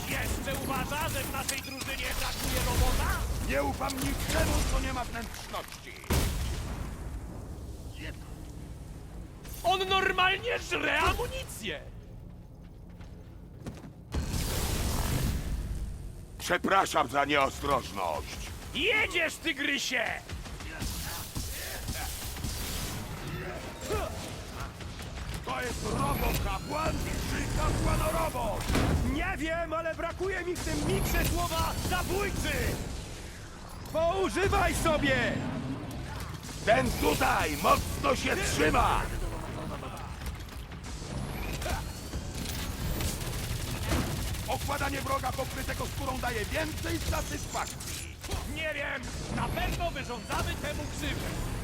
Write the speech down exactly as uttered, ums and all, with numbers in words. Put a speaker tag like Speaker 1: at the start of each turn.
Speaker 1: Jeszcze uważa, że w naszej drużynie brakuje robota?
Speaker 2: Nie ufam niczemu, co nie ma wnętrzności.
Speaker 1: On normalnie żre amunicję!
Speaker 2: Przepraszam za nieostrożność.
Speaker 1: Jedziesz, tygrysie!
Speaker 2: To jest robokapłan czy kapłanorobot?
Speaker 1: Nie wiem, ale brakuje mi w tym miksie słowa zabójcy! Poużywaj sobie!
Speaker 2: Ten tutaj mocno się trzyma! Okładanie wroga pokrytego skórą daje więcej satysfakcji.
Speaker 1: Nie wiem, na pewno wyrządzamy temu krzywdę.